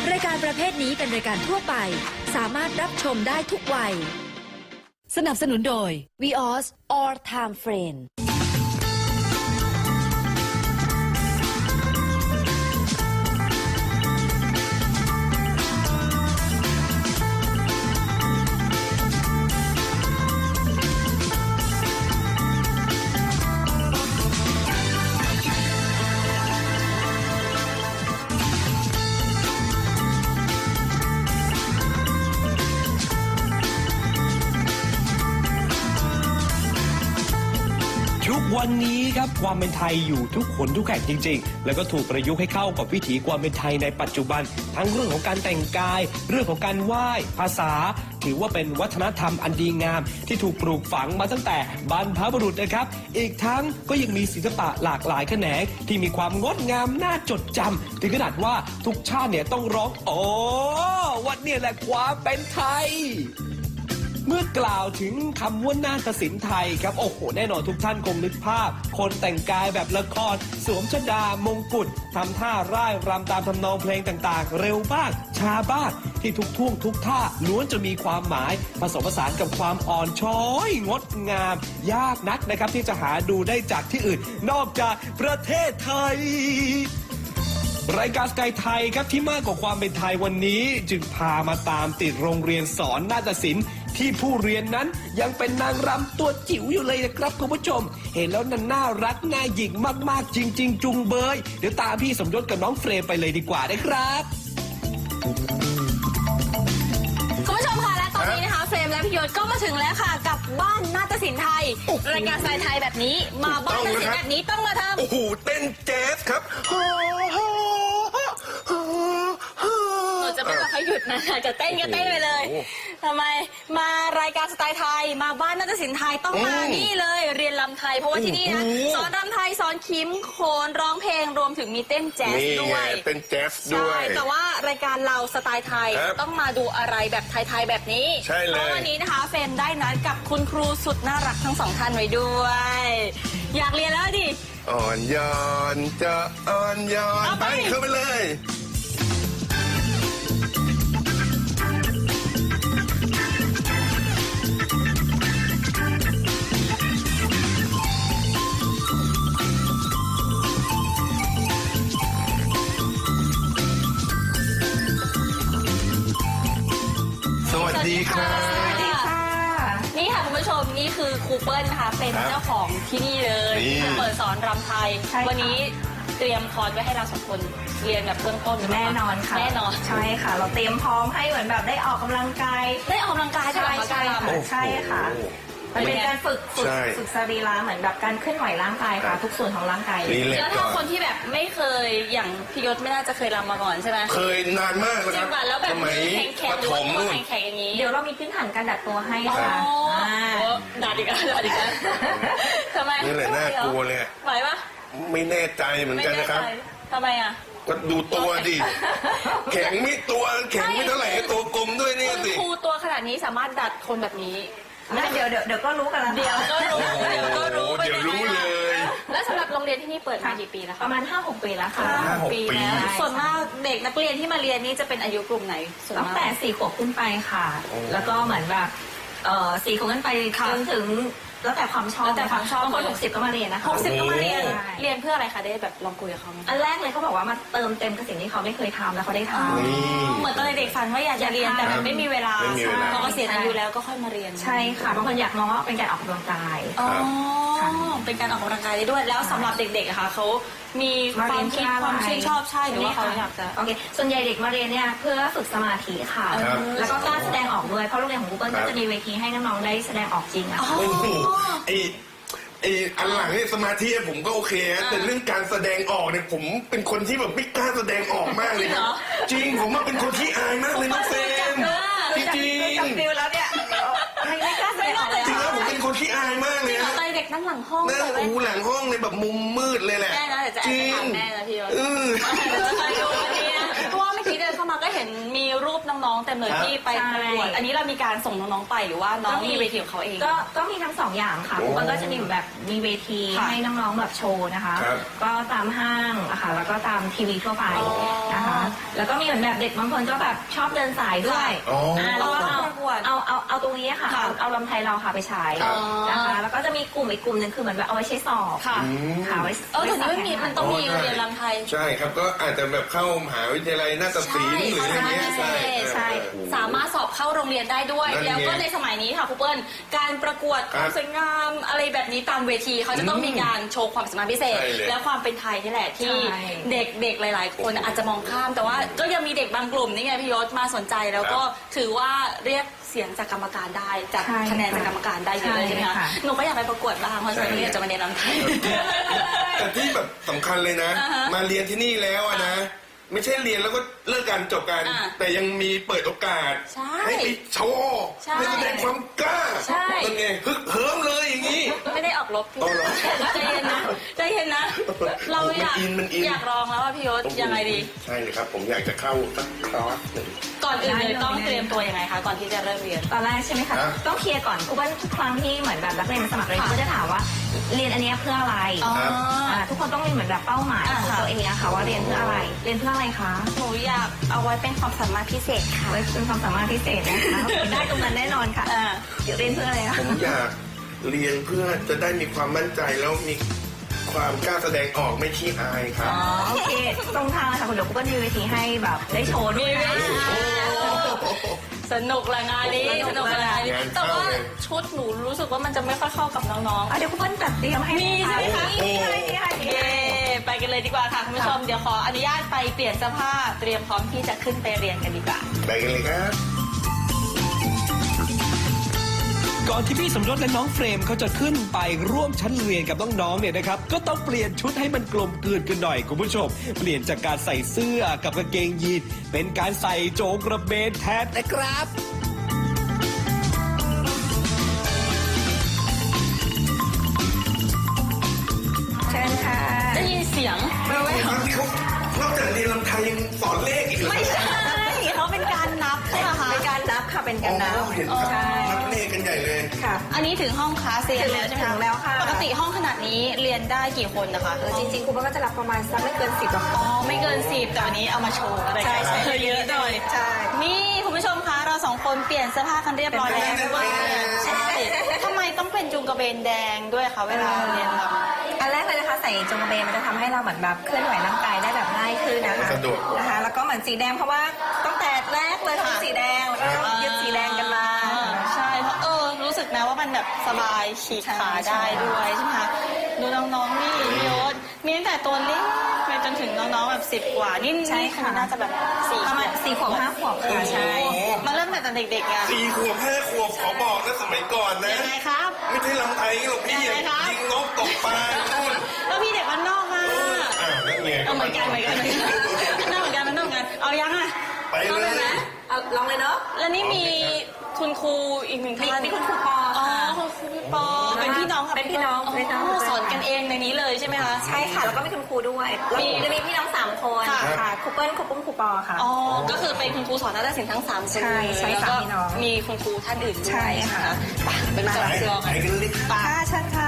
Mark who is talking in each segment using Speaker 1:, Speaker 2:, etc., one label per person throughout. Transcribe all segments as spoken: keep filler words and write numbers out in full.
Speaker 1: รายการประเภทนี้เป็นรายการทั่วไปสามารถรับชมได้ทุกวัยสนับสนุนโดย วี ออส All Time Friend
Speaker 2: ทุกวันนี้ครับความเป็นไทยอยู่ทุกคนทุกแห่งจริงๆแล้วก็ถูกประยุกต์ให้เข้ากับวิถีความเป็นไทยในปัจจุบันทั้งเรื่องของการแต่งกายเรื่องของการไหว้ภาษาถือว่าเป็นวัฒนธรรมอันดีงามที่ถูกปลูกฝังมาตั้งแต่บรรพบุรุษนะครับอีกทั้งก็ยังมีศิลปะหลากหลายแขนงที่มีความงดงามน่าจดจำถึงขนาดว่าทุกชาติเนี่ยต้องร้องโอ้วันนี้แหละความเป็นไทยเมื่อกล่าวถึงคำว่านาฏศิลป์ไทยครับโอ้โหแน่นอนทุกท่านคงนึกภาพคนแต่งกายแบบละครสวมชฎามงกุฎทำท่าร่ายรำตามทำนองเพลงต่างๆเร็วบ้างช้าบ้างที่ทุกท่วงทุกท่าล้วนจะมีความหมายผสมผสานกับความอ่อนช้อยงดงามยากนักนะครับที่จะหาดูได้จากที่อื่นนอกจากประเทศไทยรายการสกายไทยครับที่มากกว่าความเป็นไทยวันนี้จึงพามาตามติดโรงเรียนสอนนาฏศิลป์ที่ผู้เรียนนั้นยังเป็นนางรำตัวจิ๋วอยู่เลยนะครับคุณผู้ชมเห็นแล้วนั้นน่ารักน่าหยิ่งมากๆจริงๆจุงเบยเดี๋ยวตามพี่สมยศกับน้องเฟรมไปเลยดีกว่านะครับ
Speaker 3: คุณผู้ชมค่ะและตอนนี้นะคะเฟรมและพี่ยศก็มาถึงแล้วค่ะกับบ้านนาฏศิลป์ไทยรายการสไตล์ไทยแบบนี้มาบ้านนาฏศิลป์แบบนี้ต้องมาทำ
Speaker 4: โอ้โหเต้นแจ๊สครับ
Speaker 3: เราจะไม่บอกให้หยุดนะจะเต้นก็เต้นไปเลยทำไมมารายการสไตล์ไทยมาบ้านนาฏศิลป์ไทยต้องมานี่เลยเรียนรำไทยเพราะว่าที่นี่นะสอนรำไทยสอนคิมโขนร้องเพลงรวมถึงมีเต้นแจ๊สด้วย
Speaker 4: เต้นแจ๊สด้วย
Speaker 3: แต่ว่ารายการเราสไตล์ไทยต้องมาดูอะไรแบบไทยๆแบบนี้
Speaker 4: ใช่เลย
Speaker 3: เพราะวันนี้นะคะเฟรมได้นัดกับคุณครูสุดน่ารักทั้งสองท่านไว้ด้วยอยากเรียนแล้วดิ
Speaker 4: อ่อนโยนจะอ่อนโยนไปเข้าไปเลยสวัสดีค่ะ
Speaker 3: สวัสดีค่ะนี่ค่ะคุณผู้ชมนี่คือครูเปิ้ลนะคะเป็นเจ้าของที่นี่เลยเปิดสอนรำไทยวันนี้เตรียมคอร์สไว้ให้เราสองคนเรียนแบบเบื้องต้น
Speaker 5: แน่นอนค่ะ
Speaker 3: แน่นอน
Speaker 5: ใช่ค่ะเราเตรียมพร้อมให้เหมือนแบบได้ออกกำลังกาย
Speaker 3: ได้ออกกำลังกาย
Speaker 5: ใช่ใช่ค่ะใช่ค่ะมันเป็นการฝึกฝึกฝึกสรีระเหมือนแบบการเคลื่อนไหวร่างกายค่ะทุกส่วนของร่างกาย
Speaker 3: แล้วถ้าคนที่แบบไม่เคยอย่างพี่ยศไม่น่าจะเคยรำมาก่อนใช่ไหม
Speaker 4: เคยนานมากแล้วครับ
Speaker 3: แล้วแบบแข็งแข็ง
Speaker 4: ถมนู่น
Speaker 3: แข็งอย่างนี้
Speaker 5: เดี๋ยวเรามีพื้นฐานการดัดตัวให้ค่ะ
Speaker 3: ดัดอีกแล้วดัดอีกแล้วทำไม
Speaker 4: นี่แหละน่ากลัวเลย
Speaker 3: ไหวปะ
Speaker 4: ไม่แน่ใจเหมือนกันนะครับ
Speaker 3: ทำไมอ่ะ
Speaker 4: ก็ดูตัวดิแข็งไม่ตัวแข็งไม่เท่าไหร่ตัวกลมด้วยนี่สิ
Speaker 3: ครูตัวขนาดนี้สามารถดัดคนแบบนี้
Speaker 5: เดี๋ยวเดี๋ยวเดี๋ยวก็รู้กันแล้ว
Speaker 3: เดี๋ยวก็รู้เดี๋ยวก็รู้
Speaker 4: เดี๋ยวรู้เลย
Speaker 3: แล้วสำหรับโรงเรียนที่นี่เปิดมากี่ปีแล้วคะ
Speaker 5: ประมาณ ห้าหก ปีแล้วค่ะ
Speaker 4: ห้าหกปี
Speaker 3: แล้วส่วนมากเด็กนักเรียนที่มาเรียนนี่จะเป็นอายุกลุ่มไหน
Speaker 5: ตั้งแต่สี่ขวบขึ้นไปค่ะแล้วก็เหมือนแบบเอ่อสี่ขวบขึ้นไปจนถึงแล้วแต่ความชอบ
Speaker 3: แล้วแต่ความชอบบ
Speaker 5: างคนหกสิบก็มาเรียนนะคะ
Speaker 3: หกสิบก็มาเรียนเรียนเพื่ออะไรคะได้แบบลองคุยกับเขาไหม
Speaker 5: อันแรกเลยเขาบอกว่ามาเติมเต็มกับสิ่งที่เขาไม่เคยทำแล้วเขาได้ทำ
Speaker 3: เหมือนตอนเด็กฝันว่าอยากจะเรียนแต่มันไม่มีเวลาพอเกษียณอายุแล้วก็ค่อยมาเรียน
Speaker 5: ใช่ค่ะบางคนอยากมองว่าเป็นการออกกำลังกาย
Speaker 3: อ๋อเป็นการออกกำลังกายได้ด้วยแล้วสำหรับเด็กๆอะค่ะเขามีความคิดความชื่นชอบใช่หรือว่าเขาอยากจะ
Speaker 5: โอเคส่วนใหญ่เด็กมาเรียนเนี่ยเพื่อฝึกสมาธิค่ะแล้วก็กล้าแสดงออกด้วยเพราะโรงเรียนของ Google ก็จะมีเวทีให้น้องๆได้แสดงออกจริงอะ
Speaker 4: ไอไออันหลังเนี่ยสมาธิผมก็โอเคแต่เรื่องการแสดงออกเนี่ยผมเป็นคนที่แบบไม่กล้าแสดงออกมากเลยนะจริงผมว่าเป็นคนที่อายมากเลยน้องเฟรมจริงจริง
Speaker 5: ฟิลแล้วเนี่ยไม่กล้าแสดงออกเลย
Speaker 4: จริงแล้วผมเป็นคนที่อายมากเลยนะ
Speaker 3: ตอนเด็กนั่งหลังห้อง
Speaker 4: นั่งอูหลังห้องในแบบมุมมืดเลยแหละ
Speaker 3: แม่นะแต่จะแอบถามแม่นะพี่ยศเพราะว่าเมื่อกี้เดินเข้ามาก็เห็นมีรูปน้องๆเต็มเลย
Speaker 4: ครับ
Speaker 3: ที่ไปประกวด
Speaker 5: ใช่
Speaker 3: อันนี้เรามีการส่งน้องๆไปหรือว่าน้องมีเวทีของเขาเอง
Speaker 5: ก็ก็มีทั้งสองอย่างค่ะ
Speaker 4: โอ้
Speaker 5: มันก็จะมีแบบมีเวที
Speaker 3: ค่ะ
Speaker 5: ให้น้องๆแบบโชว์นะคะ
Speaker 4: ครับ
Speaker 5: ก็ตามห้างอะค่ะแล้วก็ตามทีวีทั่วไป
Speaker 3: อ๋อ
Speaker 4: อ๋ออ่
Speaker 5: าแล้วก็เอา
Speaker 3: ประกวด
Speaker 5: เอาเอาเอาตรงนี้ค่ะ
Speaker 3: ค่ะ
Speaker 5: เอาเอาลำไทยเราค่ะไปใช้
Speaker 4: ครับ
Speaker 5: นะคะ แล้วก็จะมีกลุ่มอีกกลุ่มหนึ่งคือเหมือนแบบเอาไว้ใช้สอบ
Speaker 3: ค่ะ
Speaker 5: ค่ะไว้
Speaker 3: เออแต่นี่ไม่มีมันต้องมี
Speaker 4: อ๋อใช่
Speaker 3: เรียนรำไทย
Speaker 4: ใช่ครับก็อาจจะแบบเข้ามหาวิทยาลัยนาฏศิลป์หรืออะไรเงี้ย
Speaker 3: ใช่
Speaker 5: ใช่
Speaker 3: สามารถสอบเข้าโรงเรียนได้ด้วย
Speaker 4: นั่นไง
Speaker 3: แล้วก็ในสมัยนี้ค่ะครูเปิ้ลการประกวดความสวยงามอะไรแบบนี้ตามเวทีเขาจะต้องมีการโชว์ความสามารถพิเศษ
Speaker 4: ใช่เลย
Speaker 3: และความเป็นไทยนี่แหละที่
Speaker 5: ใช่
Speaker 3: เด็กเด็กหลาย ๆ คนอาจจะมองข้าม แต่ว่าก็ยังมีเด็กบางกลุ่มนี่ไงพี่ยศมาสนใจแล้วก็ถือว่าเรียกเสียงจากกรรมการได้จาก
Speaker 5: ใช่
Speaker 3: คะแนนจากกรรมการได้เยอะเลยใช่ไหม
Speaker 5: ใช่
Speaker 3: คะ
Speaker 5: ค่ะ
Speaker 3: หนูก็อยากไปประกวดบ้างเพราะฉะนั้นหนูอยากจะมาเรียนรำไทย
Speaker 4: แต่ที่แบบสำคัญเลยนะ
Speaker 3: อ่าฮะ
Speaker 4: มาเรียนที่นี่แล้วอะนะ ไม่ใช่เรียนแล้วก็เลิกการจบกัน
Speaker 3: อ่า
Speaker 4: แต่ยังมีเปิดโอกาส
Speaker 3: ใช่
Speaker 4: ให้ไปโชว์
Speaker 3: ใช่
Speaker 4: ให้แสดงความกล้า
Speaker 3: ใช่
Speaker 4: เป็นไงฮึกเหิมเลยอย่างนี้
Speaker 3: ไม่ได้ออกรบ
Speaker 4: อ๋อเหรอ
Speaker 3: ใจเย็นนะใจเย็นนะ เราอยาก
Speaker 4: มันอินมันอิน
Speaker 3: อยากลองแล้วว่าพี่ยศยังไงดี
Speaker 4: ใช่เลยครับ ผมอยากจะเข้าสักคลาสหนึ่ง
Speaker 3: ก่อนอื่นเลยต้องเตรียมตัวยังไงคะก่อนที่จะเริ่มเรียน
Speaker 5: ตอนแรกใช่ไหมคะ
Speaker 4: ครับ
Speaker 5: ต้องเคลียร์ก่อนเพราะว่าทุกครั้งที่เหมือนแบบนักเรียนมาสมัครเรียน
Speaker 3: ค่ะ
Speaker 5: เขาจะถามว่าเรียนอันเนี้ยเพื่ออะไร
Speaker 3: อ๋อ
Speaker 5: อ่าทุกคนต้องมีเหมือนแบบเป้าหมาย
Speaker 3: อ่า
Speaker 5: ของ
Speaker 3: ค่ะ
Speaker 5: ตัวเองอะค่ะว่าเรียนเพื่ออะไร เรียนเพื่ออะไรคะ
Speaker 3: หนูอยากเอาไว้เป็นความสามารถพิเศษค่ะ
Speaker 5: ไว้เป็นความสามารถพิเศษนะคะ ได้ตรงนั้นแน่นอนค่ะ
Speaker 3: อ่า
Speaker 5: เดี๋ยวเรียนเพื่ออะไรคะ
Speaker 4: ผมอยากเรียนเพื่อจะได้มีความมั่นใจแล้วมีความกล้าแสดงออกไม่ขี้อายครับ
Speaker 5: อ๋อโอเคตรงทางเลยค่ะคุณเดี๋ยวกูก็มีเวทีให้แบบได้โชว์ด้วยนะ
Speaker 3: สนุกละงานนี้สนุกละงานนี้
Speaker 4: งาน
Speaker 3: แต่
Speaker 4: เข้า
Speaker 3: ว่า
Speaker 4: เลย
Speaker 3: ชุดหนูรู้สึกว่ามันจะไม่ค่อยเข้ากับน้อง
Speaker 5: อ่ะเดี๋ยวกูเปิ้ลจัดเตรียมให้
Speaker 3: มีใช่ไหมคะ
Speaker 5: มีให้มีให้
Speaker 3: ๆ
Speaker 5: มี
Speaker 3: เย้
Speaker 5: ให้
Speaker 3: ไปกันเลยดีกว่าค่ะคุณผู้ชมเดี๋ยวขออนุญาตไปเปลี่ยนเสื้อผ้าเตรียมพร้อมที่จะขึ้นไปเรียนกันดีกว่า
Speaker 4: ไปกันเลยครับ
Speaker 2: ก่อนที่พี่สมยศและน้องเฟรมเขาจะขึ้นไปร่วมชั้นเรียนกับน้องๆเนี่ยนะครับก็ต้องเปลี่ยนชุดให้มันกลมกลืนกันหน่อยคุณผู้ชม เปลี่ยนจากการใส่เสื้อกับกางเกงยีนเป็นการใส่โจงกระเบนแทนนะครับ
Speaker 5: เชิญค่ะ
Speaker 3: ได้ยินเสียง
Speaker 4: แล้วที่เขานอกจากเรียนลำไทยยังสอนเลขอีกเหรอ
Speaker 3: ไม่ใช่เขาเป็นการนับใช่ไหมคะ
Speaker 5: เป็นการนับค่ะเป็นการนับ
Speaker 4: อ๋อเห็นครับ
Speaker 5: ใช่
Speaker 4: นับเลขกันใหญ่เลย
Speaker 5: ค่ะ
Speaker 3: อันนี้ถึงห้องคลาสเรียนแล้วใช่ไหม
Speaker 5: ถึงแล้วค่ะ
Speaker 3: ปกติห้องขนาดนี้เรียนได้กี่คนนะคะ
Speaker 5: เออจริงๆครูก็จะรับประมาณสักไม่เกินสิบหรอก
Speaker 3: อ๋อไม่เกินสิบแต่วันนี้เอามาโชว์อะไร
Speaker 5: ใช่ใช่
Speaker 3: กันเยอะหน่อย
Speaker 5: ใช่
Speaker 3: นี่คุณผู้ชมคะเราสองคนเปลี่ยนเสื้อผ้ากันเรียบร้อยแล้ว
Speaker 4: เปลี่ยนเสื้อผ้า
Speaker 3: ใช่ทำไมต้องเป็นจุงกระเบนแดงด้วยคะเวลาเรียนรำ
Speaker 5: อันแรกเลยนะคะใส่จงกระเบนมันจะทำให้เราเหมือนแบบเคลื่อนไหวร่างกายได้แบบง่ายขึ้นนะคะ
Speaker 4: สะดวก
Speaker 5: นะคะแล้วก็เหมือนสีแดงเพราะว่าตั้งแต่แรกเลยทั้งสีแดงแล้วก็ยึดสีแดงกันมา
Speaker 3: อ่าใช่เพราะเออรู้สึกนะว่ามันแบบสบายฉีกขาได้ด้วยใช่ไหมคะดูน้องๆนี่พี่ยศมีตั้งแต่ตัวเล็กไปจนถึงน้องๆแบบสิบกว่านี่
Speaker 5: ใช่
Speaker 3: นี่
Speaker 5: ค่ะ
Speaker 3: น่าจะแบบสี่
Speaker 5: ประมาณสี่ขวบห้าขวบค่ะใช่
Speaker 3: มาเริ่มแต่ตอนเด็กๆไง
Speaker 4: สี่ขวบห้าขวบขอบอกนะสมัยก่อนนะ
Speaker 3: ยังไงครับ
Speaker 4: ไม่ใช่ลำไทยหรอกพี่
Speaker 3: ยังไงครับ
Speaker 4: ยิงนกตกปลานู่น
Speaker 3: แล้วพี่เด็กมันนอกมา
Speaker 4: อ่านั่นไง
Speaker 3: เอาเหมือนกันเหมือนกันเหมือนกันน่าเหมือนกันมันน่าเหมือนกันเอายังอ่ะ
Speaker 4: ไปเล
Speaker 3: เอาเลย
Speaker 4: ย
Speaker 3: นะ
Speaker 5: เอาลองเลยเนาะ
Speaker 3: แล้วนี่มีคุณครูอีกหนึ่ง
Speaker 5: มี
Speaker 3: ท่าน
Speaker 5: มีคุณครูปอ
Speaker 3: อ๋อ
Speaker 5: ค่ะ
Speaker 3: คุณครูปอเป็นพี่น้องกับ
Speaker 5: เป็นพี่น้องเป็นพี่น้อง
Speaker 3: สอนกันเองในนี้เลยใช่ไหมคะ
Speaker 5: ใช่ค่ะแล้วก็มีคุณครูด้วยแล้ว
Speaker 3: มี
Speaker 5: จะมีพี่น้องสามคน
Speaker 3: ค่ะ
Speaker 5: ค่ะครูเปิ้ลครูปุ้มครูปอค่ะ
Speaker 3: อ๋อ ก็คือเป็นคุณครูสอนนาฏศิลป์ทั้งสามคน
Speaker 5: ใช่ใช่
Speaker 3: แล้วก็
Speaker 5: สามพี่น้อง
Speaker 3: มีคุณครูท่านอื่นด้วย
Speaker 5: ใช่ค่ะ
Speaker 3: ไปเป็น
Speaker 4: ไป
Speaker 3: จับเชือก
Speaker 4: ไป
Speaker 3: กัน
Speaker 4: กันเลย
Speaker 3: ไป
Speaker 5: ค่ะเชิญค่ะ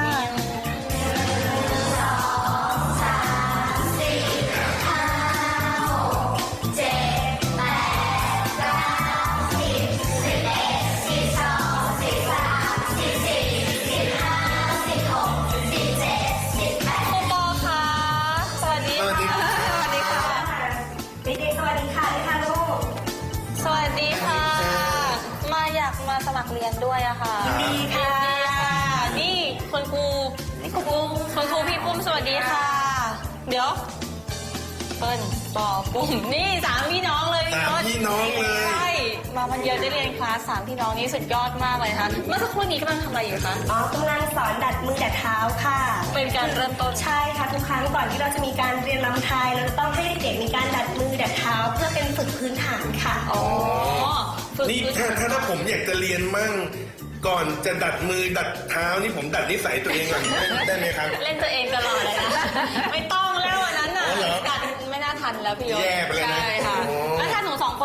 Speaker 3: ครูปอคะสวัสดี
Speaker 4: สวัสดี
Speaker 3: ค่ะ สวัสดีค่ะ
Speaker 5: เด็กๆสวัสดีค่ะค่ะลูก
Speaker 3: สวัสดีค่ะ มาอยากมาสมัครเรียนด้วยอะค่ะ
Speaker 5: ยินดีค่ะ
Speaker 3: ยินดีค่ะ นี่คุณครูนี่คุณครูคุณครูพี่ปุ้มสวัสดีค่ะ เดี๋ยวเปิ้ลปอปุ้มนี่สามพี่น้องเลย
Speaker 4: สามพี่น้องเลย
Speaker 3: ใช่มาวันเดียวได้เรียนคลาสสามพี่น้องนี่สุดยอดมากเลยค่ะเมื่อสักครู่นี้กำลังทำอะไรอยู่คะ
Speaker 6: อ๋อกำลังสอนดัดมือดัดเท้าค่ะ
Speaker 3: เป็นการเริ่มต้น
Speaker 6: ใช่ค่ะทุกครั้งก่อนที่เราจะมีการเรียนรำไทยเราจะต้องให้เด็กๆมีการดัดมือดัดเท้า เพื่อเป็นฝึกพื้นฐานค่ะ
Speaker 3: อ๋อฝึก
Speaker 4: นี่
Speaker 3: พื้น
Speaker 4: ถ้าถ้าถ้าผมอยากจะเรียนมั่งก่อนจะดัดมือดัดเท้านี่ผมดัดนิสัยตัวเองก่อนได้ไหมครับ
Speaker 3: เล่นตัวเองตลอดเลยนะ ไม่ต้องแล้วอันนั้นน่ะ
Speaker 4: อ๋อเหรอ
Speaker 3: ดัดไม่น่าทันแล้วพี่ยศ
Speaker 4: แย่ไปเลยนะ
Speaker 3: ใช่ค่ะ
Speaker 4: โอ้
Speaker 3: แล้วถ้าหนูสองคน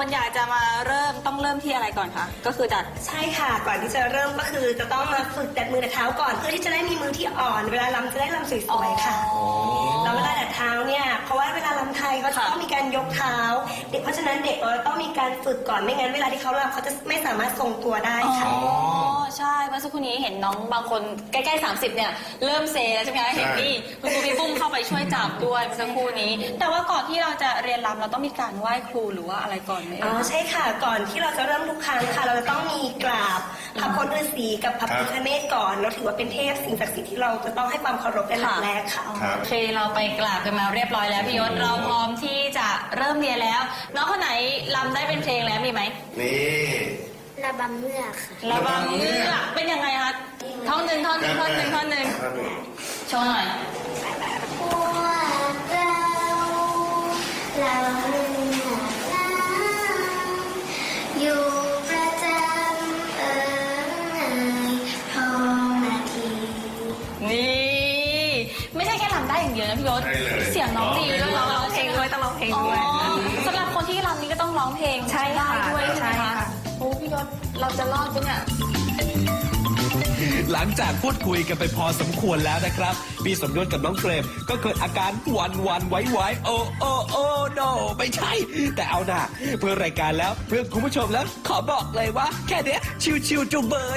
Speaker 3: คนอยากจะมาเริ่มต้องเริ่มที่อะไรก่อนคะก็คือดัด
Speaker 6: ใช่ค่ะ ก่อนที่จะเริ่มก็คือจะต้องมาฝึกดัดมือดัดเท้าก่อนเพื่อที่จะได้มีมือที่อ่อน เวลาลำจะได้ลำสวยๆค่ะแล้วเวลาดัดเท้าเนี่ยเพราะว่าเวลาลำไทยเขาจะต้องมีการยกเท้า เด็กเพราะฉะนั้นเด็กเราต้องมีการฝึกก่อนไม่งั้นเวลาที่เขาลำเขาจะไม่สามารถทรงตัวได้ค่ะ
Speaker 3: อ๋อใช่เมื่อสักครู่นี้เห็นน้องบางคนใกล้ๆสามสิบเนี่ยเริ่มเซแล้วใช่ไหมคะเห็นนี่คุณครูพี่ปุ้มเข้าไปช่วยจับด้วยเมื่อสักครู่นี้ แต่ว่าก่อนที่เราจะเรียนรำเราต้องมีการไหว้ครูหรือว่าอะไรก่อนไหม
Speaker 6: อ๋อใช่ค่ะก่อนที่เราจะเริ่มทุกครั้งค่ะ เราจะต้องมีกราบพระพุทธฤาษีกับพระพิฆเนศก่อนเราถือว่าเป็นเทพสิ่งศักดิ์สิทธิ์ที่เราจะต้องให้ความเคารพเป็นหลักแรกค่ะ
Speaker 3: โอเคเราไปกราบกันมาเรียบร้อยแล้วพี่ยศเราพร้อมที่จะเริ่มเรียนแล้ว น้องคนไหนรำได้เป็นเพลงแล้วมีไหม
Speaker 4: นี่
Speaker 6: ระบำเมือกค่ะ
Speaker 3: ระบำเงือกเป็นยังไงคะท่อนหนึ่งท่อนหนึ่งท่อนหนึ่งท่อนหนึ่งโชว์หน่อย
Speaker 6: พวกเราเราอยู่ประจำเอ่ยทองนาที
Speaker 3: นี่ไม่ใช่แค่รำได้อย่างเดียวนะพี่ยศเสียงน้องดีด้วยร้องร้องเพลงด้วยต้องร้องเพลงด้วยสำหรับคนที่รำนี้ก็ต้องร้องเพลงใช่ได้ด้วยใช่ไหมคะโอ้พี่ยศเราจะรอดปะเนี่ย
Speaker 2: หลังจากพูดคุยกันไปพอสมควรแล้วนะครับพี่สมยศกับน้องเฟรมก็เกิดอาการหวันวันไหวไหวโอ้โอ้โอ้โนไม่ใช่ แต่เอาหน่าเพื่อรายการแล้วเพื่อคุณผู้ชมแล้วขอบอกเลยว่า แค่เนี้ยชิวๆจุงเบย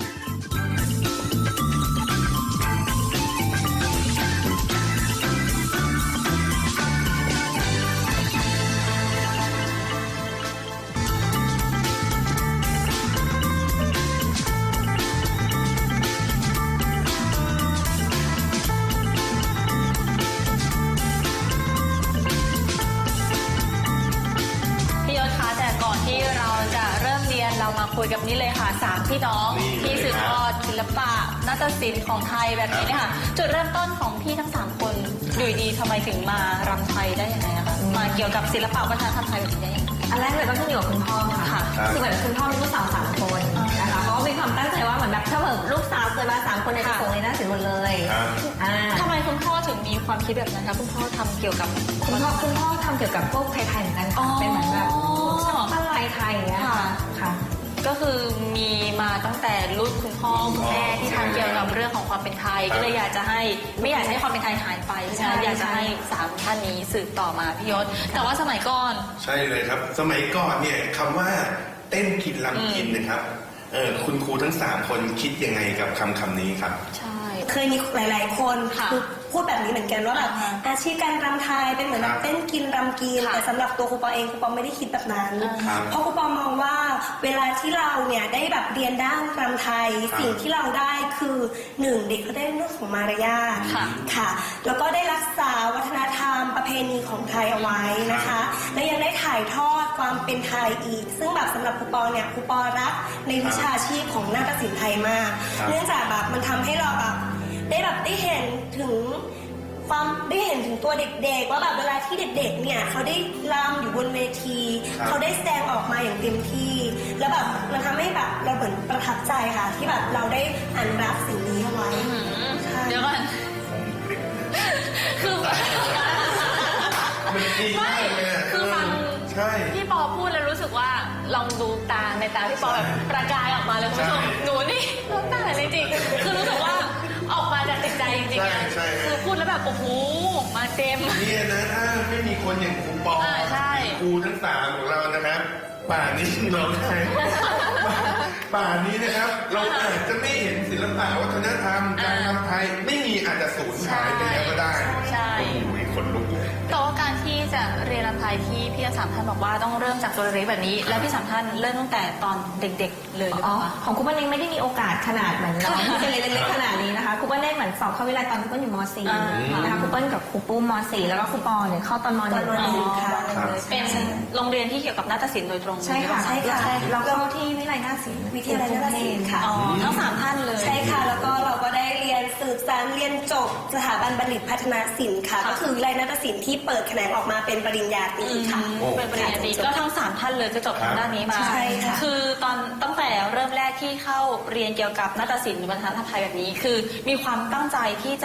Speaker 3: พี่ยศคะแต่ก่อนที่เราจะเริ่มเรียนเรามาคุยกับนี่เลยค่ะสามพี่น้องที่สืบทอดศิลปะนาฏศิลป์ของไทยแบบนี้เนี่ยค่ะจุดเริ่มต้นของพี่ทั้งสามคนอยู่ดีทำไมถึงมารำไทยได้ยังไงอะคะมาเกี่ยวกับศิลปะวัฒนธรรมไทยแบบนี้ได้ยังไง
Speaker 5: อันแรกเลยก็ขึ้นอยู่กับคุณพ่อค่ะคือเหมือนคุณพ่อมีลูกสาวสามคนนะคะเขาก็มีความตั้งใจว่าเหมือนแบบถ้าแบบลูกสาวเกิดมาสามคนเนี่ยจะส่งเรียนหน้าศิลป์หมดเลยอ่า
Speaker 3: ทำไมคุณพ่อถึงมีความคิดแบบนั้นคะคุณพ่อทำเกี่ยวกับ
Speaker 5: คุณพ่อคุณพ่อทำเกี่ยวกับพวกไทยๆเหมือนกันค่ะเป็นเหมือนแบบช่างปั้นลายไทยอย่างเงี้ยค่ะค่ะ
Speaker 3: ก็คือมีมาตั้งแต่รุ่นคุณพ่อคุณแม่ที่ทำเกี่ยวกับเรื่องของความเป็นไทยก็เลยอยากจะให้ไม่อยากให้ความเป็นไทยหายไปใช่ไหมอยากจะให้สามท่านนี้สืบต่อมาพี่ยศแต่ว่าสมัยก่อน
Speaker 4: ใช่เลยครับ สมัยก่อนเนี่ยคำว่าเต้นกินลำกินนะครับเออคุณครูทั้งสามคนคิดยังไงกับคำคำนี้ครับ
Speaker 3: ใช่
Speaker 6: เคยมีหลายๆคน
Speaker 3: ค่ะ
Speaker 6: คือพูดแบบนี้เหมือนกันว่าแบบอาชีพการรำไทยเป็นเหมือนแบบเต้นกินรำกิน
Speaker 3: ค่ะ
Speaker 6: แต่สำหรับตัวครูปอเองครูปอไม่ได้คิดแบบนั้น
Speaker 4: ครับ
Speaker 6: เพราะครูปอมองว่าเวลาที่เราเนี่ยได้แบบเรียนด้านรำไทย
Speaker 4: ครับ
Speaker 6: สิ่งที่เราได้คือหนึ่งเด็กเขาได้เรื่องของมารยาท
Speaker 3: ค่ะ
Speaker 6: ค่ะ แล้วก็ได้รักษาวัฒนธรรมประเพณีของไทยเอาไว้นะคะ และยังได้ถ่ายทอดความเป็นไทยอีก ซึ่งแบบสำหรับครูปอเนี่ยครูปอรักในวิชาชีพของนาฏศิลป์ไทยมาก
Speaker 4: ครับ
Speaker 6: เนื่องจากแบบมันทำให้เราแบบได้แบบได้เห็นถึงความได้เห็นถึงตัวเด็กๆว่าแบบเวลาที่เด็กๆเนี่ยเขาได้รำอยู่บนเวที
Speaker 4: ครับ
Speaker 6: เขาได้แสดงออกมาอย่างเต็มที่ แล้วแบบมันทำให้แบบเราเหมือนประทับใจค่ะ ที่แบบเราได้อนุรักษ์สิ่งนี้เอาไว้ใช่
Speaker 3: เดี๋ยวก่อนคือ
Speaker 4: มันดีมากเลยอะ
Speaker 3: คือฟัง
Speaker 4: ใช่
Speaker 3: พี่ปอพูดแล้วรู้สึกว่าลองดูตาในตาพี่ปอแบบประกายออกมาเลยคุณผู้ชม
Speaker 4: ใช่
Speaker 3: หนูนี่น้ำตาไหลเลยจริงคือรู้สึกว่าออกมาจากจิตใจจริงๆ
Speaker 4: ใช่
Speaker 3: อะ
Speaker 4: ใช่
Speaker 3: คือพูดแล้วแบบโอ้โหมาเต็ม
Speaker 4: เนี่ยนะถ้าไม่มีคนอย่างครูปอ
Speaker 3: อ่าใช่
Speaker 4: ครูทั้งสามของเรานะครับ ป่านนี้เราได้ป่านนี้นะครับ เราอาจจะไม่เห็นศิลปะวัฒนธรรมการทำไทยไม่มีอาจจะสูญหายไปแล้วก็ได้
Speaker 3: ใช่
Speaker 4: โอ้ยคนลุก
Speaker 3: แต่ว่าการที่จะเรียนรำไทยที่พี่สามท่านบอกว่าต้องเริ่มจากตัวเล็กแบบนี้ แล้วพี่สามท่านเริ่มตั้งแต่ตอนเด็กๆเลยหรือเป
Speaker 5: อ๋อ
Speaker 3: ล่าคะ
Speaker 5: ของครูเปิ้ลเองไม่ได้มีโอกาสขนาดเหมือนน้องที่เป็นเล็กๆขนาดนี้นะคะครูเปิ้ลได้เหมือนสอบเข้าวิทยาลัยตอนครูเปิ้ลอยู่ม .สี่
Speaker 3: อ่า
Speaker 5: นะคะครูเปิ้ลกับครูปุ้มม .สี่ แล้วก็ครูปอเนี่ยเข้าตอนม .หนึ่ง
Speaker 6: ตอนมหนึ่งค่ะ
Speaker 4: ครับ
Speaker 3: เป็นโรงเรียนที่เกี่ยวกับนาฏศิลป์โดยตรง
Speaker 5: ใช่ค่ะ
Speaker 6: ใช่ค่ะ
Speaker 5: เราเข้าที่วิทยาลัยนาฏศิลป์
Speaker 6: วิทยาลัยนาฏศิลป์ค่ะ
Speaker 3: อ๋อทั้งสามท่านเลย
Speaker 6: ใช่ค่ะ แล้วก็เราก็ได้เรียนสืบสานเรียนจบสถาบันบัณฑิตพัฒนาศิลป์ค่ะ
Speaker 3: ค่ะ
Speaker 6: ก็คือวิทยาลัยนาฏศิลป์ที่เปิดแขนงออกมาเป็นปริญญาตรีค่ะ
Speaker 4: โอ้
Speaker 3: เป็นปริญญาตรีก็ทั้งสามท่านเลยก็จบทางด้านนี้มา
Speaker 6: ใช่ค่ะ
Speaker 3: คือตอนตั้งแต่เริ่มแรกที่เข้าเรียนเกี่ยวกับนาฏศิลป์หรือวัฒนธรรมไทยแบบนี้ คือมีความตั้งใจที่จะ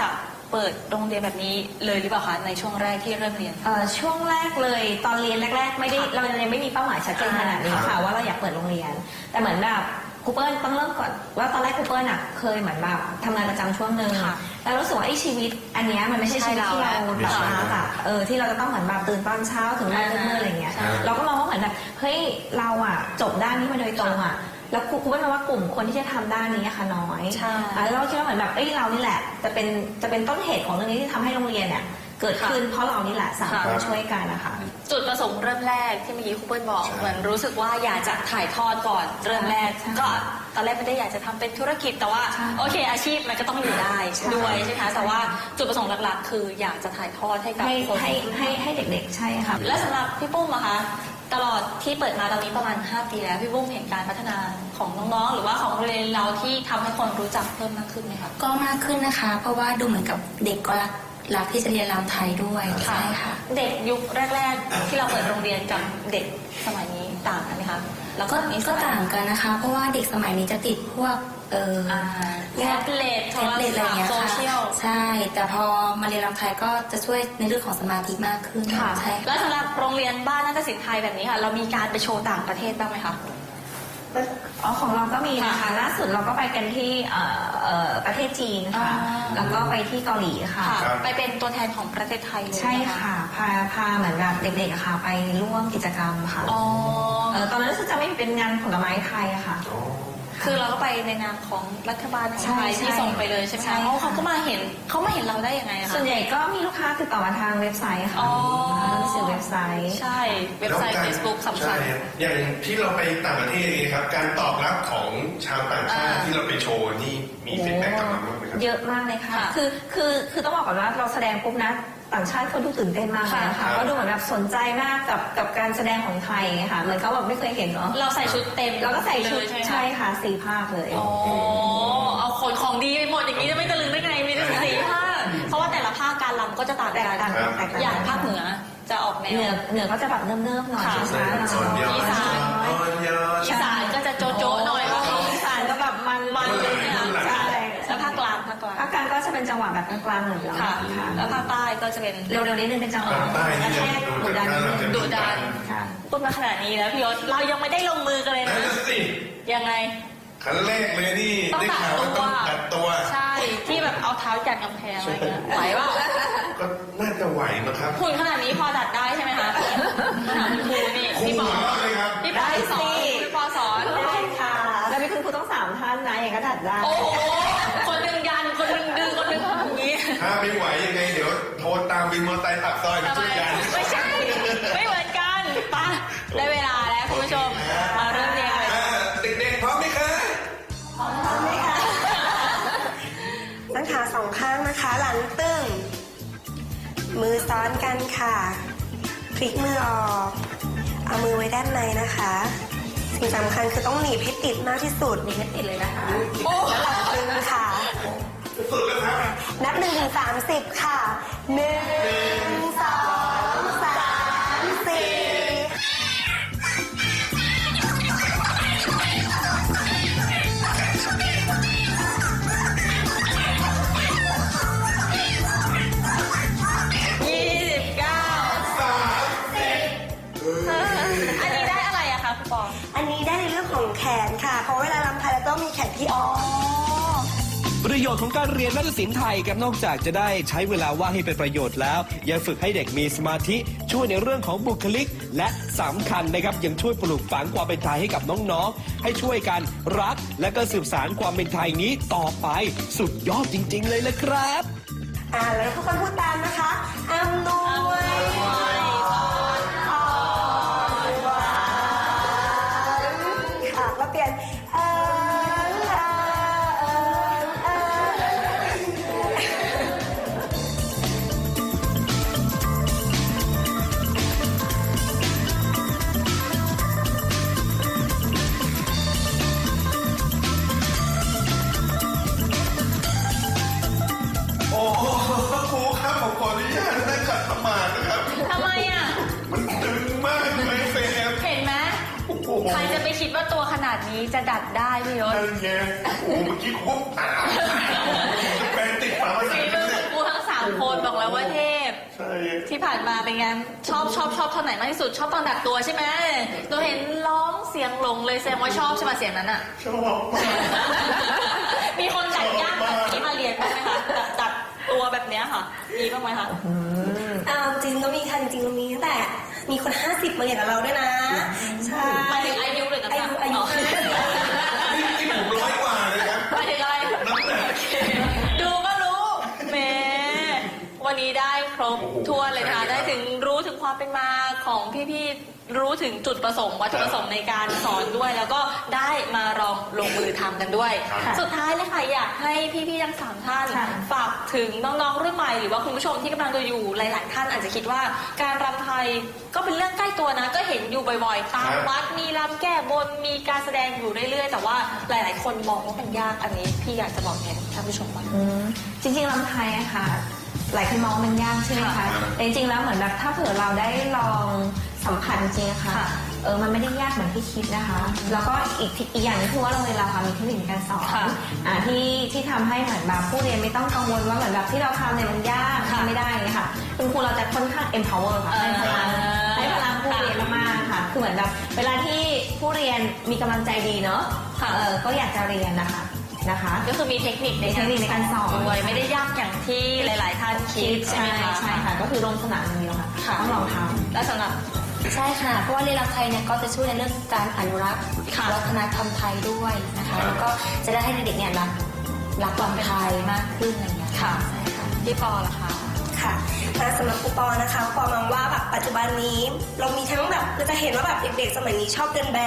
Speaker 3: เปิดโรงเรียนแบบนี้เลยหรือเปล่าคะในช่วงแรกที่เริ่มเรียน
Speaker 5: เอ่อช่วงแรกเลยตอนเรียนแรก ๆ ไม่ได้เรายังไม่มีเป้าหมายชัดเจนขนาดนี้ค่ะว่าเราอยากเปิดโรงเรียน แต่เหมือนแบบครูเปิ้ลต้องเริ่มก่อนว่าตอนแรกครูเปิ้ลน่ะเคยเหมือนแบบทำงานประจำช่วงหนึ่ง
Speaker 3: ค่ะ
Speaker 5: แล้วรู้สึกว่าไอ้ชีวิตอันเนี้ยมันไม่ใช่ชีวิตที่เรา
Speaker 4: ไม่
Speaker 5: แบบ
Speaker 4: ใช่
Speaker 5: มาแบบเออที่เราจะต้องเหมือนแบบตื่นตอนเช้าถึงบ้านมืดๆอะไรเงี้ย
Speaker 3: ใช่
Speaker 5: เราก็มองว่าเหมือนแบบเฮ้ยเราอ่ะจบด้านนี้มาโดยตรงอ่ะแล้วครูครูเปิ้ลมองว่ากลุ่มคนที่จะทำด้านนี้อะค่ะน้อย
Speaker 3: ใช่
Speaker 5: อ่ะแล้วเราคิดว่าเหมือนแบบเอ้ยเรานี่แหละจะเป็นจะเป็นต้นเหตุของเรื่องนี้ที่ทำให้โรงเรียนเนี่ยเกิดขึ้นเพราะเรานี่แหละสามคนช่วยกันนะคะ
Speaker 3: จุดประสงค์เริ่มแรกที่เมื่อกี้ครูเปิ้ลบอก
Speaker 4: ใช่
Speaker 3: เหมือนรู้สึกว่าอยากจะถ่ายทอดก่อนเริ่มแรก
Speaker 5: ใช่
Speaker 3: ก็ตอนแรกไม่ได้อยากจะทำเป็นธุรกิจแต่ว่า
Speaker 5: ใช่
Speaker 3: โอเคอาชีพมันก็ต้องอยู่ได้
Speaker 5: ใช่
Speaker 3: ด้วยใช่ไหมคะแต่ว่าจุดประสงค์หลักๆ คืออยากจะถ่ายทอดให้กับ
Speaker 5: ให้
Speaker 3: คน
Speaker 5: ให้ให้ให้เด็กๆใช่ค่ะ
Speaker 3: และสำหรับพี่ปุ้มอะคะตลอดที่เปิดมาตอนนี้ประมาณห้าปีแล้วพี่ปุ้มเห็นการพัฒนาของน้องๆหรือว่าของโรงเรียนเราที่ทำให้คนรู้จักเพิ่มมากขึ้นไหมคะ
Speaker 7: ก็มากขึ้นนะคะ เพราะว่าดูเหมือนกับเด็กก็รักรักที่จะเรียนรำไทยด้วยใช่ค่ะ
Speaker 3: เด็กยุคแรก ๆ ที่เราเปิดโรงเรียนกับเด็กสมัยนี้ต่างกันไหมคะแล้ว
Speaker 7: ก็
Speaker 3: นี้
Speaker 7: ก็ต่างกันนะคะ เพราะว่าเด็กสมัยนี้จะติดพวกเอ่อ
Speaker 3: อ่า
Speaker 7: พ
Speaker 3: แท็
Speaker 7: วก
Speaker 3: บเล็ตโท
Speaker 7: แท็บ
Speaker 3: ร
Speaker 7: เล็ตอะไร
Speaker 3: ศัพ
Speaker 7: เงี้
Speaker 3: ท์
Speaker 7: ย
Speaker 3: โซ
Speaker 7: ค่ะ
Speaker 3: เชียล
Speaker 7: ใช่ แต่พอมาเรียนรำไทยก็จะช่วยในเรื่องของสมาธิมากขึ้น
Speaker 3: ค่ะ
Speaker 7: ใช่
Speaker 3: แล้วสำหรับโรงเรียนบ้านนาฏศิลป์ไทยแบบนี้ค่ะ เรามีการไปโชว์ต่างประเทศบ้างไหมคะ
Speaker 5: อ๋อของเราก็มีนะคะ
Speaker 3: ค่ะ
Speaker 5: ล่าสุดเราก็ไปกันที่เอ่อเอ่อประเทศจีนค่ะ
Speaker 3: อ่า
Speaker 5: แล้วก็ไปที่เกาหลีค่ะ
Speaker 3: ค่ะ
Speaker 4: ครับ
Speaker 3: ไปเป็นตัวแทนของประเทศไทยเลย
Speaker 5: ใช่
Speaker 3: ไหม
Speaker 5: ค่ะ พาพาเหมือนแบบเด็กๆอะค่ะ ไปร่วมกิจกรรมค่ะ
Speaker 3: อ๋อ
Speaker 5: เอ่อตอนนั้นรู้สึกจะไม่เป็นงานผลไม้ไทยอะค่ะ
Speaker 3: คือเราก็ไปในนามของรัฐบาลของ
Speaker 5: ใช่
Speaker 3: ไทยที่
Speaker 5: ใช่
Speaker 3: ส่งไปเลยใช่ไหม
Speaker 5: ใช่
Speaker 3: คะ
Speaker 5: ค่ะ
Speaker 3: อ๋อเขาก็มาเห็นเขามาเห็นเราได้ยังไงอะคะ
Speaker 5: ส่วนใหญ่ก็มีลูกค้าติดต่อมาทางเว็บไซต์ค่ะ
Speaker 3: อ๋อ
Speaker 5: หนังสือเว็บไซต์
Speaker 3: ใช่เว็บไซต์
Speaker 4: แล้วการ
Speaker 3: Facebook สำคัญ
Speaker 4: ใช่อย่างที่เราไปต่างประเทศนี่ครับ การตอบรับของชาวต่างชาติ
Speaker 3: อ่า
Speaker 4: ที่เราไปโชว์นี่มีฟีดแบ็กกลับมาบ้างไหมครับ
Speaker 5: เยอะมากเลยค่ะ
Speaker 3: ค่ะ
Speaker 5: คือ คือ คือต้องบอกก่อนว่าเราแสดงปุ๊บนะ ต่างชาติเขาดูตื่นเต้นมากเลยนะ
Speaker 3: ค่ะ
Speaker 5: คะก็ดูเหมือนแบบสนใจมากกับกับการแสดงของไทยไงค่ะเหมือนเขาแบบไม่เคยเห็นเนาะ
Speaker 3: เราใส่ชุดเต็ม
Speaker 5: เราก็ใส่ชุด
Speaker 3: เลยใช่ไหมคะ
Speaker 5: ใช่ค่ะสี่ภาคเลย
Speaker 3: อ๋อเอาขนของดีไปหมดอย่างนี้จะไม่ตะลึงได้ไงมีถึงสี่ภาคเพราะว่าแต่ละภาคการรำก็จะต่าง
Speaker 5: แตก
Speaker 3: กัน
Speaker 5: ต่างกันแตกต่าง
Speaker 3: อย่าง
Speaker 5: กัน
Speaker 3: ภาคเหนือจะออกแน
Speaker 5: เหนือ
Speaker 3: ว
Speaker 5: เหนือก็จะแบบเนิบๆหน่อย
Speaker 3: ค่ะ
Speaker 5: ช้าๆห
Speaker 4: ส่วน
Speaker 5: น่อย
Speaker 4: ยอด
Speaker 3: อีสาน
Speaker 4: ส่วนยอด
Speaker 3: อีสานก็จะโจ๊ะๆหน่อยว่าเขา
Speaker 5: อีสานก็แบบมัน
Speaker 3: มันเลยเนี่ย
Speaker 5: ใช่
Speaker 3: แล้วภาคกลางภาคกลาง
Speaker 5: ภาคกลางก็จะเป็นจังหวะแบบกลางๆเหมือนเรา
Speaker 3: ค่ะ
Speaker 5: ค่ะ
Speaker 3: แล้วภาคใต้ก็จะเป็น
Speaker 5: เร็วๆนิดนึงเป็นจังหวะ
Speaker 4: ภาคใต้นี่
Speaker 5: กระแทก
Speaker 4: จะ
Speaker 5: ดุดันนิดนึง
Speaker 3: ดุดัน
Speaker 5: ค่ะ
Speaker 3: พูดมาขนาดนี้แล้วพี่ยศเรายังไม่ได้ลงมือกันเลย
Speaker 4: นั่
Speaker 3: นะ
Speaker 4: นสิ
Speaker 3: ยังไง
Speaker 4: ขั้นแรกเลยนี่
Speaker 3: ต้อง
Speaker 4: ได้
Speaker 3: ตัด
Speaker 4: ข่าว
Speaker 3: ตั
Speaker 4: ว่าต้อง
Speaker 3: ว
Speaker 4: ตัดตัว
Speaker 3: ใช่ที่แบบเอาเท้าจัดกำแพงอะไรเงี้ยไหวเปล่า
Speaker 4: ก็น่าจะไหวนะครับ
Speaker 3: หุ่นขนาดนี้พอดัดได้ใช่ไหมคะถามครูนี่
Speaker 4: ครู
Speaker 3: พี่ปอ
Speaker 4: หัวเราะเลยครับ
Speaker 3: พี่ปอสอนพี่ปอสอน
Speaker 5: ได้ค่ะ แล้วมีคุณครูต้องสามท่านนะอย่างก็ดัดได้
Speaker 3: โอ้โหคนหนึ่งยันคนหนึ่งดึงคนหนึ่งอย่างนี้
Speaker 4: ถ้าไม่ไหวยังไงเดี๋ยวโทรตามวินมอเตอร์ไซค์ปากซอยมา
Speaker 3: ทำไม
Speaker 4: ช่วยกัน
Speaker 3: ไม่ใช่ ไม่เหมือนกันไปะได้เวลาแล้วคุณผู้ชมมาเริ่มเรียนเลย
Speaker 4: อ่าเด็กๆพร้อมไหมคะ
Speaker 6: ตั้งขาสองข้างนะคะ หลังตึง มือซ้อนกันค่ะ พลิกมือออก เอามือไว้ด้านในนะคะ สิ่งสำคัญคือต้องหนีบให้ติดมากที่สุด
Speaker 5: มีไม่ติดเลยนะคะ
Speaker 6: แล้วหลังตึงค่ะ
Speaker 4: สุดแล้วครับ
Speaker 6: นับหนึ่งถึงสามสิบค่ะหนึ่งสองสามสี่
Speaker 3: ยี่สิบเก้าอันนี้ได้อะไรอะคะคุณปอ
Speaker 6: อันนี้ได้ในเรื่องของแขนค่ะ เพราะเวลาลำไทยเราต้องมีแขนที่อ่อน
Speaker 2: ประโยชน์ของการเรียนนาฏศิลป์ไทยครับนอกจากจะได้ใช้เวลาว่างให้เป็นประโยชน์แล้ว ยังฝึกให้เด็กมีสมาธิช่วยในเรื่องของบุคลิก และสำคัญนะครับยังช่วยปลูกฝังความเป็นไทยให้กับน้องๆ ให้ช่วยกันรัก และก็สืบสานความเป็นไทยนี้ต่อไปสุดยอดจริง ๆ เลยละครับ
Speaker 6: อ่าแล้วทุกคนพูดตามนะคะอำนวยพรอ่อนหวานค่ะแล้วเปลี่ยนเอิงเอิงเอิง
Speaker 4: โอ้โหครูครับผมขออนุญาตได้ขัดสมาธินะครับ
Speaker 3: ทำไมอะ
Speaker 4: มันตึงมากเลยเฟรม
Speaker 3: เห็นไหม
Speaker 4: โอ้โห
Speaker 3: ใครจะไปคิดว่าตัวขนาดนี้จะดัดได้พี่ยศ
Speaker 4: นั่นไงโอ้โหเมื่อกี้คุกตาแปลงติดฝาผนั
Speaker 3: ฝี
Speaker 4: ง
Speaker 3: มือ
Speaker 4: เล
Speaker 3: ขอย งกูทั้งามคนบอกแล้วว่าเทพ
Speaker 4: ใช่
Speaker 3: ที่ผ่านมาเป็นไงชอบชอบชอบท่อนไหนมากที่สุดชอบตอนดัดตัวใช่ไหมเราเห็นร้องเสียงหลงเลยแสดงว่าชอบใช่ไหมเสียงนั้นอ่ะ
Speaker 4: ชอบมาก
Speaker 3: มีคนดัดยากแบบนี้มาเรียนบ้างไหมคะดัดดัดตัวแบบเนี้ยค่ะมีบ้างไหมคะ
Speaker 6: อ่าจริงก็มีค่ะจริงๆก็มีตั้งแต่มีคนห้าสิบมาเรียนกับเราด้วยนะใช่
Speaker 3: หมายถึงอายุเลยนะ
Speaker 6: อายุอายุ
Speaker 3: อ๋อ
Speaker 6: ห้าสิบ
Speaker 4: นี่นี่ผมร้อยกว่าเลยครับ
Speaker 3: หมายถึงอะไร
Speaker 4: น้ำหนัก
Speaker 3: ดูก็รู้แหมวันนี้ได้ครบ
Speaker 4: โอ้โห
Speaker 3: ทั่วนเลยนะคะ
Speaker 4: ใช่ครับ
Speaker 3: ได้ถึงรู้ถึงความเป็นมาของพี่ๆรู้ถึงจุดประสงค์วัตถุประสงค์ในการสอนด้วย แล้วก็ได้มาลองลงมือทำกันด้วย
Speaker 4: ครับ
Speaker 3: สุดท้ายเลยค่ะอยากให้พี่ๆทั้งสามท่าน
Speaker 5: ค่ะ
Speaker 3: ฝากถึงน้องๆรุ่นใหม่หรือว่าคุณผู้ชมที่กำลังดูอยู่หลาย ๆ ท่านอาจจะคิดว่าการรำไทยก็เป็นเรื่องใกล้ตัวนะ ก็เห็นอยู่บ่อยๆตามวัดมีรำแก้บนมีการแสดงอยู่เรื่อยๆ แต่ว่าหลาย ๆ คนมองว่ามันยากอันนี้พี่อยากจะบอกแทนท่านผู้ชมว่า
Speaker 5: อืมจริงๆลำไทยอะค่ะ หลายคนมองมันยากใช่ไหม
Speaker 3: ค่ะ
Speaker 5: คะแต่จริงๆแล้วเหมือนแบบถ้าเผื่อเราได้ลองสัมผัสจริงๆอะค่ะ
Speaker 3: ค่ะ
Speaker 5: เออมันไม่ได้ยากเหมือนที่คิดนะคะ แล้วก็อีกอีกอย่างหนึงคือว่าโรงเรียนเราค่ะมีเทคนิคในการสอน
Speaker 3: ค่ะ
Speaker 5: อ่าที่ที่ทำให้เหมือนแบบผู้เรียนไม่ต้องกังวลว่าเหมือนแบบที่เราทำเนี่ยมันยาก
Speaker 3: ค่ะ
Speaker 5: ทำไม่ได้เนี่ยค่ะคุณครูเราจะค่อนข้าง empower ค่ะให้พลัง
Speaker 3: เออ
Speaker 5: ให้พลังผู้เรียนมากๆค่ะ คือเหมือนแบบเวลาที่ผู้เรียนมีกำลังใจดีเนาะ
Speaker 3: ค่ะ
Speaker 5: เออก็อยากจะเรียนนะคะนะคะ
Speaker 3: ก็คือมีเทคนิคใน
Speaker 5: เทคนิคในการสอน
Speaker 3: ด้วยไม่ได้ยากอย่างที่หลาย ๆ ท่านคิดใช่
Speaker 5: ใช่
Speaker 3: ไหมคะ
Speaker 5: ใช่ค่ะก็คือลงสนามอย่างเดียวค่ะ
Speaker 3: ค่ะ
Speaker 5: ต้องลองท
Speaker 3: และสำหรับ
Speaker 7: ใช่ค่ะ เพราะว่าเรียนรำไทยเนี่ยก็จะช่วยในเรื่องการอนุรักษ์
Speaker 3: ค่ะ
Speaker 7: วัฒนธรรมไทยด้วยนะคะ แล้วก็จะได้ให้เด็กๆเนี่ยรักรักรำไทยมากขึ้นอะไรอย่างเงี้ย
Speaker 3: ค่ะ
Speaker 7: ใช่ค่ะ
Speaker 3: พี่ปอล่ะคะ
Speaker 6: ค่ะและสำหรับครูปอนะคะปอมองว่าแบบปัจจุบันนี้เรามีทั้งแบบเราจะเห็นว่าแบบเด็กๆสมัยนี้ชอบเดินแบบ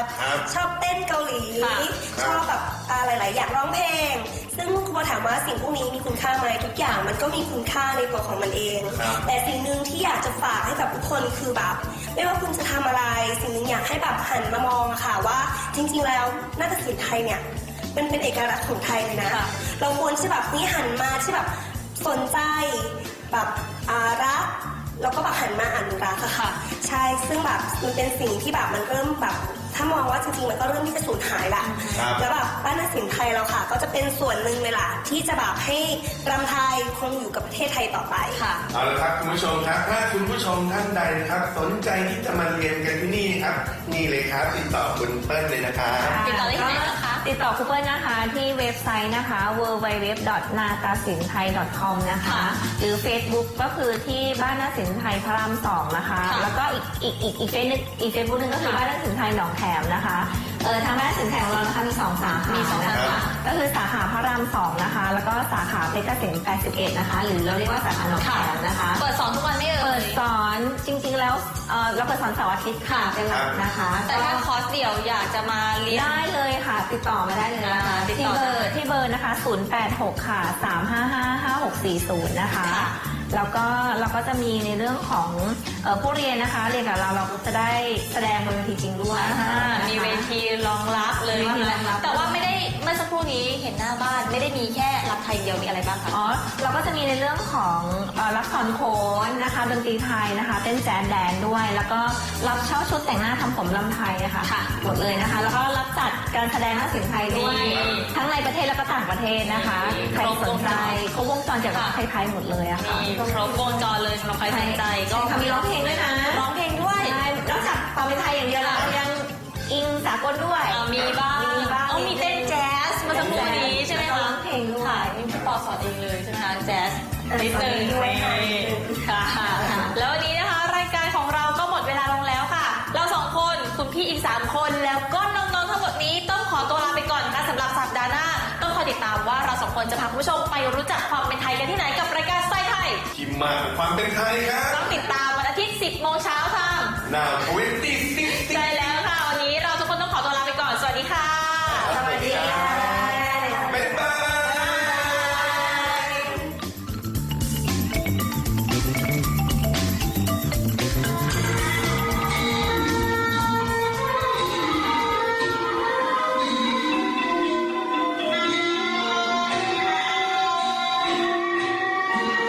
Speaker 4: ครับ
Speaker 6: ชอบเต้นเกาหลี
Speaker 3: ค่ะ
Speaker 6: ชอบแบบอ่าหลาย ๆ อย่างร้องเพลง ซึ่งครูปอถามว่าสิ่งพวกนี้มีคุณค่าไหมทุกอย่างมันก็มีคุณค่าในตัวของมันเอง
Speaker 4: ครับ
Speaker 6: แต่สิ่งหนึ่งที่อยากจะฝากให้กับทุกคนคือแบบไม่ว่าคุณจะทำอะไร สิ่งหนึ่งอยากให้แบบหันมามองอะค่ะว่าจริง ๆ แล้วนาฏศิลป์ไทยเนี่ยมันเป็นเอกลักษณ์ของไทยเลยนะ
Speaker 3: ค่ะ
Speaker 6: เราควรที่แบบนี้หันมาที่แบบสนใจแบบอารักแล้วก็แบบหันมาอนุรักษ์อะค่ะ ใช่ซึ่งแบบมันเป็นสิ่งที่แบบมันเริ่มแบบถ้ามองว่าจริงๆมันก็เริ่มที่จะสูญหายละ
Speaker 4: ครับ
Speaker 6: แล้วแบบบ้านนาฏศิลป์ไทยเราค่ะ ก็จะเป็นส่วนหนึ่งเลยล่ะที่จะแบบให้รำไทยคงอยู่กับประเทศไทยต่อไป
Speaker 3: ค่ะ
Speaker 4: เอาละครับคุณผู้ชมครับ ถ้าคุณผู้ชมท่านใดนะครับ สนใจที่จะมาเรียนกันที่นี่ครับ นี่เลยครับติดต่อคุณเปิ้ลเลยนะครับ
Speaker 5: ำ
Speaker 3: ติดต่อได้ที่ไหนนะคะ
Speaker 5: ติดต่อครูเปิ้ลนะคะที่เว็บไซต์นะคะ ดับเบิลยู ดับเบิลยู ดับเบิลยู ดอท นาตาศิลป์ไทย ดอท คอม นะคะ
Speaker 3: ค่ะ
Speaker 5: หรือ Facebook ก็คือที่บ้านนาฏศิลป์ไทยพระรามสองนะคะ
Speaker 3: ค่ะ
Speaker 5: แล้วก็อีกอีกอีกอีกเฟซนึงอีกเฟซบุ๊กนึงก็คือบ้านนาฏศิลป์ไทยหนองแขมนะคะเออทางบ้านนาฏศิลป์ไทยของเรานะคะมีสองสาขา
Speaker 3: มีสองสาขา
Speaker 5: นะคะก็คือสาขาพระรามสองนะคะ แล้วก็สาขาเพชรเกษมแปดสิบเอ็ดนะคะ หรือเราเรียกว่าสาขาหนองแขมนะคะ
Speaker 3: เปิดสอนทุกวันไม่เอ่
Speaker 5: เปิ
Speaker 3: ย
Speaker 5: ดสอนจริงๆแล้วเอ่อเราเปิดสอนเสาร์อาทิตย์ค่ะเป็นหลักนะคะ
Speaker 3: แต่ถ้าคอร์สเดี่ยวอยากจะมาเรียน
Speaker 5: ได้เลยค่ะ ติดต่อมาได้เลยนะคะ
Speaker 3: อ่าติด
Speaker 5: ที่
Speaker 3: ต่อ
Speaker 5: เบอ
Speaker 3: ได้
Speaker 5: ร์ที่เบอร์นะคะ ศูนย์ แปด หก ค่ะ สาม ห้า ห้า ห้า หก สี่ ศูนย์ นะคะ
Speaker 3: ค่ะ
Speaker 5: แล้วก็เราก็จะมีในเรื่องของเอ่อผู้เรียนนะคะ เรียนกับเราเราก็จะได้แสดงบนเวทีจริงด้วย
Speaker 3: อ่า
Speaker 5: นะคะ
Speaker 3: มีเวทีรองรับเลย
Speaker 5: มีเวทีรองรับ
Speaker 3: แต่ว่าไม่ได้เมื่อสักครู่นี้เห็นหน้าบ้านไม่ได้มีแค่รับไทยเดียวมีอะไรบ้างคะ
Speaker 5: อ๋อ เราก็จะมีในเรื่องของเอ่อรับสอนโขนนะคะดนตรีไทยนะคะ เต้นแจ๊สแดนด้วย แล้วก็รับเช่าชุดแต่งหน้าทำผมลำไทยนะคะ
Speaker 3: ค่ะ
Speaker 5: หมดเลยนะคะ แล้วก็รับจัดการแสดงนาฏศิลป์ไทยด้วย
Speaker 3: นี่
Speaker 5: ทั้งในประเทศแล้วก็ต่างประเทศนะคะ
Speaker 3: นี่
Speaker 5: ใครสนใจครบวงจรเกี่ยวกับ
Speaker 3: ค่ะ
Speaker 5: ไทยๆหมดเลยอะค่ะ
Speaker 3: มีครบวงจรเลยสำหรับใครสนใจก็
Speaker 5: ใช่ค่ะมีร้องเพลงด้วยนะ
Speaker 3: ร้องเพลงด้วย
Speaker 5: ใช่นอกจากความเป็นไทยอย่างเดียวเรายังอิงสากลด้วย
Speaker 3: อ่ามีบ้าง
Speaker 5: มีบ้าง
Speaker 3: เอามีเต้นแจ๊สเมื่อสักครู่นี้ใช่ไหม
Speaker 5: แล้วก็
Speaker 3: คะ
Speaker 5: ร้องเพลงด้วย
Speaker 3: ค่ะนี่พี่ปอสอนเองเลยใช่ไหมคะแจ๊สนิดนึง
Speaker 6: ด้วยค่ะ
Speaker 3: ค่ะ แล้ววันนี้นะคะรายการของเราก็หมดเวลาลงแล้วค่ะ เราสองคนคุณพี่อีกสามคนแล้วก็น้องๆทั้งหมดนี้ต้องขอตัวลาไปก่อนค่ะสำหรับสัปดาห์หน้า ต้องคอยติดตามว่าเราสองคนจะพาคุณผู้ชมไปรู้จักความเป็นไทยกันที่ไหนกับรายการสไตล์ไทย
Speaker 4: ที่มาของความเป็นไทยครับ
Speaker 3: ต้องติดตามวันอาทิตย์สิบโมงเช้าทาง
Speaker 4: Now ยี่สิบ
Speaker 3: ใช่แล้วค่ะ วันนี้เราทุกคนต้องขอตัวลาไปก่อน สวัสดีค่ะ
Speaker 4: สวัสดีค่ะบ๊ายบาย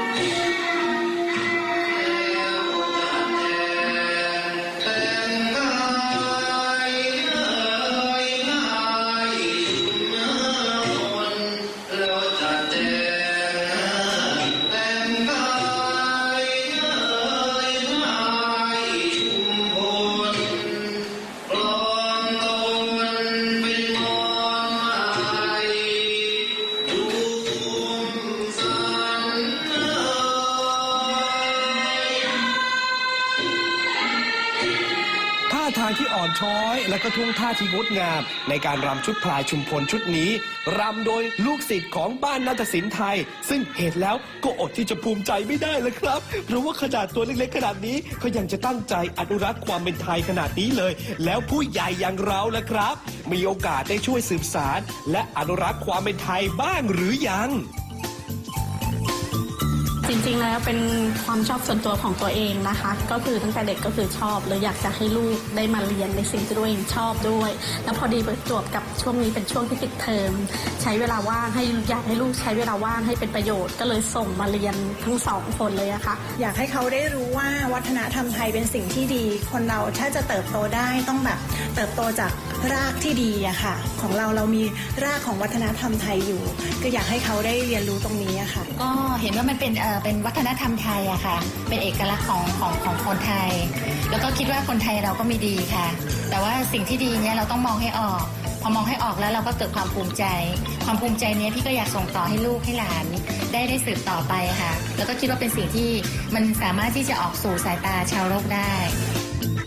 Speaker 4: เป็น
Speaker 2: อย และก็ท่วงท่าที่งดงามในการรำชุดพลายชุมพลชุดนี้รำโดยลูกศิษย์ของบ้านนาฏศิลป์ไทยซึ่งเห็นแล้วก็อดที่จะภูมิใจไม่ได้เลยครับเพราะว่าขนาดตัวเล็กๆขนาดนี้เขายังจะตั้งใจอนุรักษ์ความเป็นไทยขนาดนี้เลยแล้วผู้ใหญ่อย่างเราล่ะครับมีโอกาสได้ช่วยสืบสานและอนุรักษ์ความเป็นไทยบ้างหรือยัง
Speaker 8: จริงๆแล้วเป็นความชอบส่วนตัวของตัวเองนะคะก็คือตั้งแต่เด็กก็คือชอบเลยอยากจะให้ลูกได้มาเรียนในสิ่งที่ตัวเองชอบด้วยแล้วพอดีประจวบกับช่วงนี้เป็นช่วงที่ปิดเทอมใช้เวลาว่างให้อยากให้ลูกใช้เวลาว่างให้เป็นประโยชน์ก็เลยส่งมาเรียนทั้งสองคนเลยอะค่ะ
Speaker 9: อยากให้เขาได้รู้ว่าวัฒนธรรมไทยเป็นสิ่งที่ดีคนเราถ้าจะเติบโตได้ต้องแบบเติบโตจากรากที่ดีอะค่ะของเราเรามีรากของวัฒนธรรมไทยอยู่ก็อยากให้เขาได้เรียนรู้ตรงนี้อะค่ะ
Speaker 7: ก็เห็นว่ามันเป็นเอ่อเป็นวัฒนธรรมไทยอะค่ะเป็นเอกลักษณ์ของของของคนไทย แล้วก็คิดว่าคนไทยเราก็มีดีค่ะ แต่ว่าสิ่งที่ดีเนี่ยเราต้องมองให้ออกพอมองให้ออกแล้วเราก็เกิดความภูมิใจ ความภูมิใจเนี้ยพี่ก็อยากส่งต่อให้ลูกให้หลานได้ได้สืบต่อไปค่ะแล้วก็คิดว่าเป็นสิ่งที่มันสามารถที่จะออกสู่สายตาชาวโลกได้